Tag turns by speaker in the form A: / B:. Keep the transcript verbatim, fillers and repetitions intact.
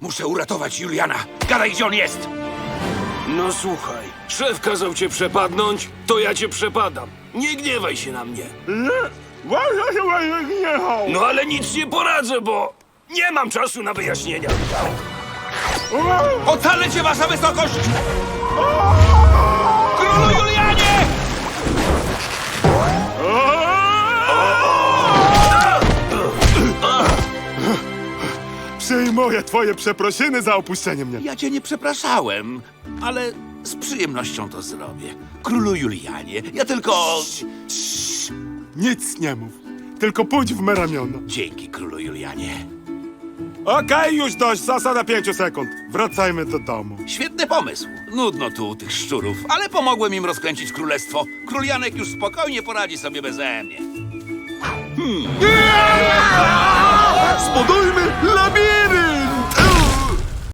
A: Muszę uratować Juliana. Gadaj, gdzie on jest!
B: No słuchaj, szef kazał cię przepadnąć, to ja cię przepadam. Nie gniewaj się na mnie. No ale nic nie poradzę, bo nie mam czasu na wyjaśnienia.
A: Ocalę cię, wasza wysokość! Królu Julianie!
C: Przyjmuję twoje przeprosiny za opuszczenie mnie.
A: Ja cię nie przepraszałem, ale z przyjemnością to zrobię. Królu Julianie, ja tylko...
C: Nic nie mów. Tylko pójdź w me ramiona.
A: Dzięki, królu Julianie.
C: Okej, już dość. Zasada pięciu sekund. Wracajmy do domu.
A: Świetny pomysł. Nudno tu u tych szczurów, ale pomogłem im rozkręcić królestwo. Król Janek już spokojnie poradzi sobie beze mnie.
C: Zbudujmy labirynt!